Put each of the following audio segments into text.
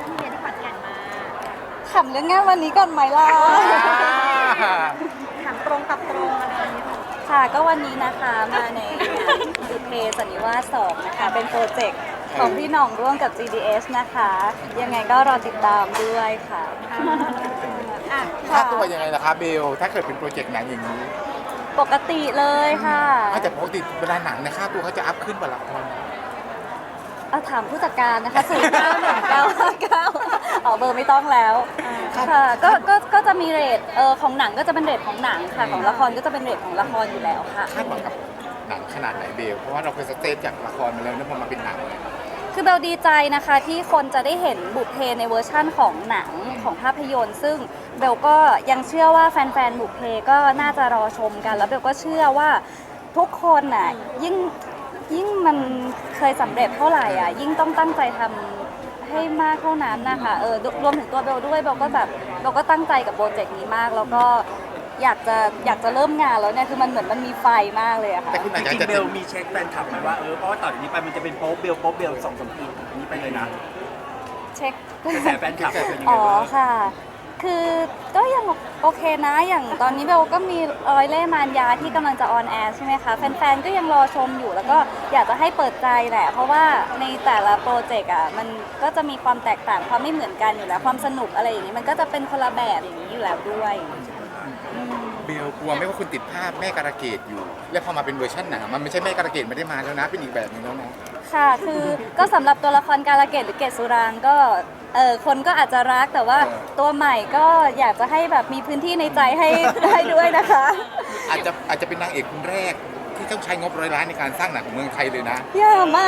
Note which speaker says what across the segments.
Speaker 1: พี่เบียร์ที่ขอนแก่นมา
Speaker 2: ขำเรื่องงานวันนี้ก่อนไหมล่ะ
Speaker 1: ถามตรงกับตรงอะไรอย่างเงี้ย
Speaker 2: ค่ะก็วันนี้นะคะมาในงานบุพเพสันนิวาส2นะคะเป็นโปรเจกต์ของพี่หน่องร่วมกับ GDS นะคะ ยังไงก็รอติดตามด้วยค่ะ
Speaker 1: อ่ะ
Speaker 3: ค่าตัวยังไงล่ะคะเบลถ้าเกิดเป็นโปรเจกต์หนังอย่างนี้
Speaker 2: ปกติเลยค่ะ
Speaker 3: แต่ปกติเวลาหนังเนี่ยค่าตัวเขาจะอัพขึ้นกว่าละคร
Speaker 2: เอาถามผู้จัดการนะคะ091959เอาเบอร์ไม่ต้องแล้วค่ะก็จะมีเรทของหนังก็จะเป็นเรทของหนังค่ะของละครก็จะเป็นเรทของละครอยู่แล้วค่ะ
Speaker 3: คาดหวังกับหนังขนาดไหนเบลเพราะว่าเราเคยสเตจจากละครมาแล้วเนี่ยพอมาเป็นหนังเนี่ย
Speaker 2: คือเบลดีใจนะคะที่คนจะได้เห็นบุพเพในเวอร์ชั่นของหนังของภาพยนตร์ ซึ่งเบลก็ยังเชื่อว่าแฟนๆบุพเพก็น่าจะรอชมกันแล้วเบลก็เชื่อว่าทุกคนน่ะยิ่งมันเคยสำเร็จเท่าไหร่อ่ะยิ่งต้องตั้งใจทำให้มากเท่านั้นนะคะรวมถึงตัวเบลด้วยเบลก็ตั้งใจกับโปรเจกต์นี้มากแล้วก็อยากจะเริ่มงานแล้วเนี่ยคือมันเหมือนมันมีไฟมากเลยอะค่ะ
Speaker 3: แต่คุณอาจ
Speaker 4: จริง
Speaker 3: จะ
Speaker 4: ๆเบลมีเช็คแฟนคลับไหมว่าเพราะว่าต่อจากนี้ไปมันจะเป็นโป๊ปเบล2-3 ปีอันนี้ไปเลยนะ
Speaker 2: เช็ค
Speaker 4: กระแสแฟนคลับเป็นยังไง
Speaker 2: อ๋อ
Speaker 4: บ้าง
Speaker 2: ค่ะ คือก็ยังโอเคนะ อย่างตอนนี้เบลก็มีรอยเล่ห์มารยาที่กำลังจะออนแอร์ใช่ไหมคะ แฟนๆ ก็ยังรอชมอยู่ แล้วก็อยากจะให้เปิดใจแหละ เพราะว่าในแต่ละโปรเจกต์อ่ะ มันก็จะมีความแตกต่างความไม่เหมือนกันอยู่แล้ว ความสนุกอะไรอย่างนี้ มันก็จะเป็นคนละแบบอย่างนี้อยู่แล้วด้วย
Speaker 3: เบลกลัวไหม่ว่าคุณติดภาพแม่การะเกดอยู่ แล้วพอมาเป็นเวอร์ชันหนังมันไม่ใช่แม่การะเกดไม่ได้มาแล้วนะเป็นอีกแบบหนึงแล้วนะ
Speaker 2: ค่ะ คือก็สำหรับตัวละครการะเกดหรือเกดสุรางก็คนก็อาจจะรักแต่ว่าตัวใหม่ก็อยากจะให้แบบมีพื้นที่ในใจให้ ได้ด้วยนะคะ
Speaker 3: อาจจะเป็นนางเอกคนแรกที่ต้องใช้งบ100 ล้านในการสร้างหนังของเมืองไทยเลยนะ
Speaker 2: อย่ามา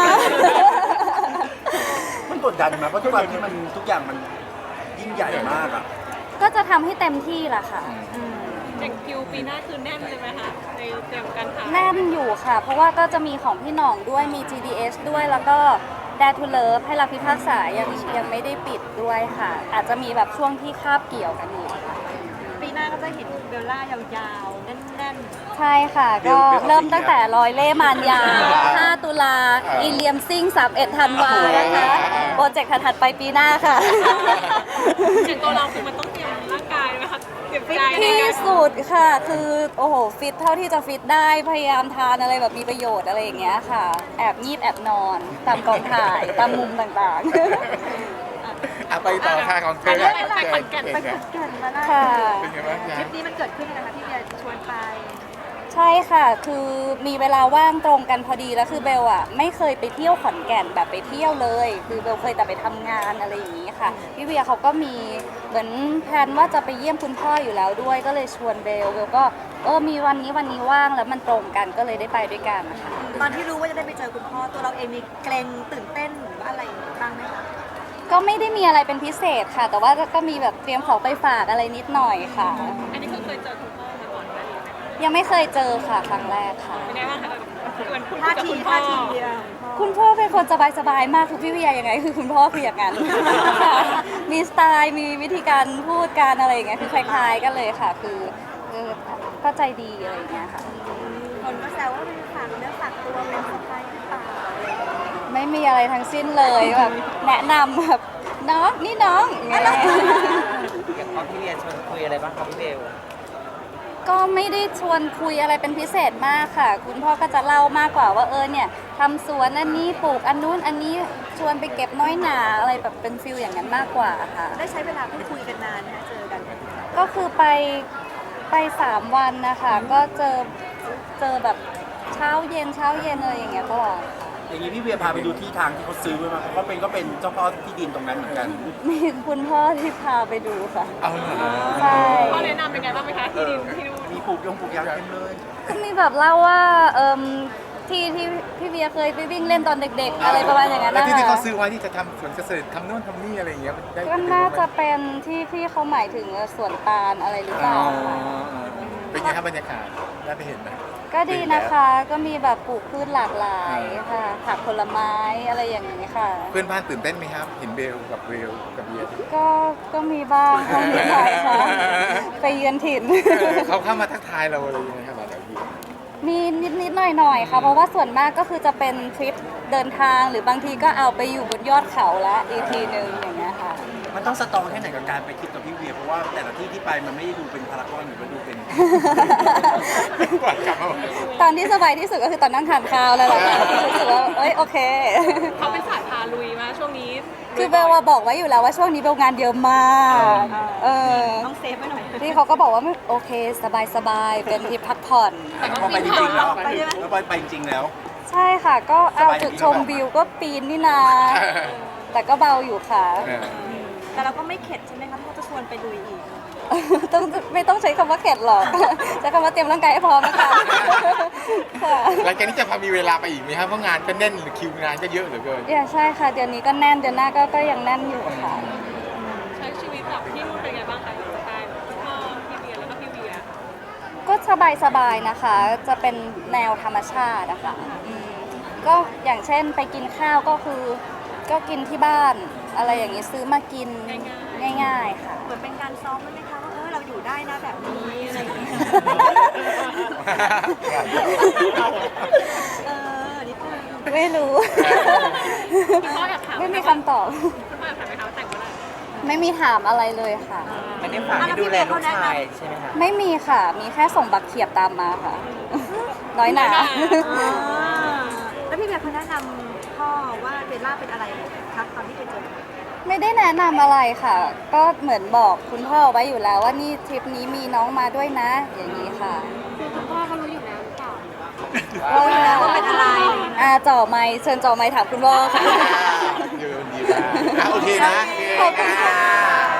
Speaker 4: มันกดดันไหมเพราะทุกวันที่มันทุกอย่างมันยิ่งใหญ่มากอ่ะ
Speaker 2: ก็จะทำให้เต็มที่แหละค่ะอืม
Speaker 1: อย่างคิวปีหน้าคือแน่นเลยไหมคะในเตรียมการถ่าย
Speaker 2: แน่นอยู่ค่ะ เพราะว่าก็จะมีของพี่หน่องด้วยมี GDS ด้วยแล้วก็ Dare to Love ให้รักพิพากษายังไม่ได้ปิดด้วยค่ะ อาจจะมีแบบช่วงที่คาบเกี่ยวกันอยู่ค่ะ
Speaker 1: ปีหน้าก็จะเห็นเบลล่ายาวๆ แน่น
Speaker 2: ใช่ค่ะ ก็เริ่มตั้งแต่รอยเล่ห์มารยา 5 ตุลาอีเลียมซิ่ง 31 ธันวานะคะ โปรเจกต์ถัดๆไปปีหน้าค่ะ
Speaker 1: ๆอย่างตัวเราคือมันต้องเตรียมร่างกายไหมคะเตรียมใจใน
Speaker 2: ที่
Speaker 1: การ
Speaker 2: สุดค่ะ คือโอ้โหฟิตเท่าที่จะฟิตได้พยายามทานอะไรแบบมีประโยชน์อะไรอย่างเงี้ยค่ะ แอบงีบแอบนอนตามกองถ่ายตามมุมต่างๆ
Speaker 3: ไปต่อค่ะของเธอ
Speaker 1: ไปขอนแก่นมาได้
Speaker 2: ค่ะ
Speaker 3: เป็นไงบ้าง
Speaker 1: ท
Speaker 3: จ๊ะ
Speaker 1: ริปนี้มันเกิดขึ้นนะคะพี่เบียร์ชวนไป
Speaker 2: ใช่ค่ะ คือมีเวลาว่างตรงกันพอดีแล้วคือเบลอ่ะไม่เคยไปเที่ยวขอนแก่นแบบไปเที่ยวเลย คือเบลเคยแต่ไปทำงานอะไรอย่างนี้ค่ะพี่เวียเขาก็มีเหมือนแพลนว่าจะไปเยี่ยมคุณพ่ออยู่แล้วด้วยก็เลยชวนเบลก็มีวันนี้ว่างแล้วมันตรงกันก็เลยได้ไปด้วยกันนะคะ
Speaker 1: ตอนที่รู้ว่าจะได้ไปเจอคุณพ่อตัวเราเองมีเกรงตื่นเต้นหรือว่าอะไรบ้างไหมคะ
Speaker 2: ก็ไม่ได้มีอะไรเป็นพิเศษค่ะ แต่ว่าก็มีแบบเตรียมของไปฝากอะไรนิดหน่อยค่ะ
Speaker 1: อันนี้คือเคยเจอคุณพ่อมาก่อนไหม
Speaker 2: ยังไม่เคยเจอค่ะครั้งแรกค่ะ
Speaker 1: เป็นไงบ้างคะเหมือนคุณกับคุณพ่อ
Speaker 2: คุณพ่อเป็นคนสบายๆมากคือพี่วิยายังไงคือคุณพ่อคืออย่างนั้น ค่ะมีสไตล์มีวิธีการพูดการอะไรอย่างเงี้ยคือคล้ายๆกันเลยค่ะ คือก็ใจดีอะไรอย่างเงี้ยค่ะ
Speaker 1: คนก็แซวว่าเป็นฝากเนื้อฝากตัวเป็นสะพ้ายหรือเปล่าอะไรอย่างเงี้ย
Speaker 2: ไม่มีอะไรทั้งสิ้นเลยแบบแนะนำแบบน้องนี่น้องอย่างเงี้ย
Speaker 5: อย่างตอนที่เรียนชวนคุยอะไรบ้างครับพี่เบล
Speaker 2: ก็ไม่ได้ชวนคุยอะไรเป็นพิเศษมากค่ะ คุณพ่อก็จะเล่ามากกว่าว่าเนี่ยทำสวนอันนี้ปลูกอันนู้นอันนี้ชวนไปเก็บน้อยหนาอะไรแบบเป็นฟิลอย่างนั้นมากกว่าค่ะ
Speaker 1: ได้ใช้เวลาพูดคุยกันนานนะคะเจอกัน
Speaker 2: ก็คือไป3 วันนะคะก็เจอแบบเช้าเย็นอะไรอย่างเงี้ยตลอด
Speaker 4: อย่างนี้พี่เวียพาไปดูที่ทางที่เขาซื้อไว้มาเขาก็เป็นเจ้าพ่อที่ดินตรงนั้นเหมือนกัน
Speaker 2: มีคุณพ่อที่พาไปดูค่ะ
Speaker 3: เอาเหรอ
Speaker 2: ใช่
Speaker 1: พ่อแนะนำเป็นไงบ้างไหมคะที่ดินที่นู่น
Speaker 4: มีปลูกยางเต็มเลย
Speaker 2: ก็มีแบบเล่าว่าที่พี่เบียร์เคยไปวิ่งเล่นตอนเด็กๆ อะไรประมาณอย่างนั้น
Speaker 3: แล้ว
Speaker 2: นะ
Speaker 3: ที่
Speaker 2: คะ
Speaker 3: เขาซื้อไว้ที่จะทำสวนเกษตรทำโน่นทำนี่อะไรอย่างเงี้ยมันได้
Speaker 2: ก็น่าจะเป็นที่เขาหมายถึงสวนตาลอะไรหรือเป
Speaker 3: อ๋อ
Speaker 2: ล่าค่ะ
Speaker 3: เป็นไงครับบรรยากาศได้ไปเห็นไหม
Speaker 2: ก็ดีนะคะ ก็มีแบบปลูกพืชหลากหลายค่ะผักผลไม้อะไรอย่างนี้ค่ะ
Speaker 3: เพื่อนบ้านตื่นเต้นไหมครับ เห็นเบลกับเบียร์
Speaker 2: ก็มีบ้างค่ะมีหลายค่ะไปเยือนถิ่น
Speaker 3: เขาเข้ามาทักทายเราอะไรยังไงครับแบบนี้
Speaker 2: มีนิดๆหน่อยๆค่ะเพราะว่าส่วนมากก็คือจะเป็นทริปเดินทางหรือบางทีก็เอาไปอยู่บนยอดเขาละอีกทีนึงอย่างเงี้ยค่ะ
Speaker 4: มันต้องสตรองแค่ไหนกับการไปทริปกับพี่เวียเพราะว่าแต่ละที่ที่ไปมันไม่ได้ดูเป็นพารากอนหรือว่าดูเป็น
Speaker 3: กว่ากลับมา
Speaker 2: ตอนที่สบายที่สุดก็คือตอนนั่งทานข้าวแล้วแหละค่ะที่รู้สึกว่าเอ้ยโอเค
Speaker 6: เขาเป็นสายพาลุยมาช่วงนี้
Speaker 2: คือเบลว่าบอกไว้อยู่แล้วว่าช่วงนี้เบลงานเยอะมาก
Speaker 1: ต้องเซฟไว้หน่อย
Speaker 2: ที่เขาก็บอกว่าโอเคสบายๆเป็นทริปพักผ่อน
Speaker 4: แต่พอไปจริงๆแล้วแล้วไปจริงๆแล้ว
Speaker 2: ใช่ค่ะ ก็เอาจุดชมวิวก็ปีนนี่นาแต่ก็เบาอยู่ค่ะ
Speaker 1: แต่เราก็ไม่เข็ดใช่ไหมคะที่เขาจะชวนไปลุยอีก
Speaker 2: ต้องไม่ต้องใช้คำว่าเข็ดหรอก ใช้คำว่าเตรียมร่างกายให้พร้อมนะคะค่ะ
Speaker 3: หลังจากนี้จะพอมีเวลาไปอีกไหมครับเพราะงานก็แน่นหรือคิวงานก็เยอะเหลือเกิน
Speaker 2: ใช่ค่ะเดือนนี้ก็แน่นเดือนหน้าก็ยังแน่นอยู่ค่ะ
Speaker 6: ใช้ชีวิตแบบที่นู่นเป็นไงบ้างคะอยู่สไตล์พ่อพี่เบียร์แล้วก็พี่เวีย
Speaker 2: ก็สบายๆนะคะ จะเป็นแนวธรรมชาตินะคะก็อย่างเช่นไปกินข้าวก็คือก็กินที่บ้านอะไรอย่างนี้ซื้อมากินง่ายๆค่ะ
Speaker 1: เหมือนเป็นการซ้อมไหมคะว่าเราอยู่ได้นะแบบนี้อะไรอย่างเงี้ยนิดนึง
Speaker 2: ไม่รู้
Speaker 6: คุณพ่ออยากถาม
Speaker 2: ไม่มีคำตอบ
Speaker 6: คุณพ่ออยากถามไหมคะว่าแต่งเมื่อไหร่
Speaker 2: ไม่มีถามอะไรเลยค่ะ
Speaker 5: ไม่ได้ฝากให้ดูแลลูกชายใช่ไหมคะ
Speaker 2: ไม่มีค่ะ มีแค่ส่งบักเขียบตามมาค่ะ น้อยหนา
Speaker 1: แล้วพี่เบียร์เขาแนะนำพ่อว่าเบลล่าเป็นอะไรครับตอนที่ไปเจอ
Speaker 2: ไม่ได้แนะนำอะไรค่ะ ก็เหมือนบอกคุณพ่อไว้อยู่แล้วว่านี่ทริปนี้มีน้องมาด้วยนะ อย่างนี้ค่ะ
Speaker 6: คือคุณพ่อเขารู้อยู่แล้วหรือเปล่า
Speaker 1: ว่าเป็นอะไร
Speaker 2: จ่อไม้เชิญจ่อไม้ถามคุณพ่อค่ะ
Speaker 3: ดีมากโอเคนะ
Speaker 2: ขอบคุณค่ะ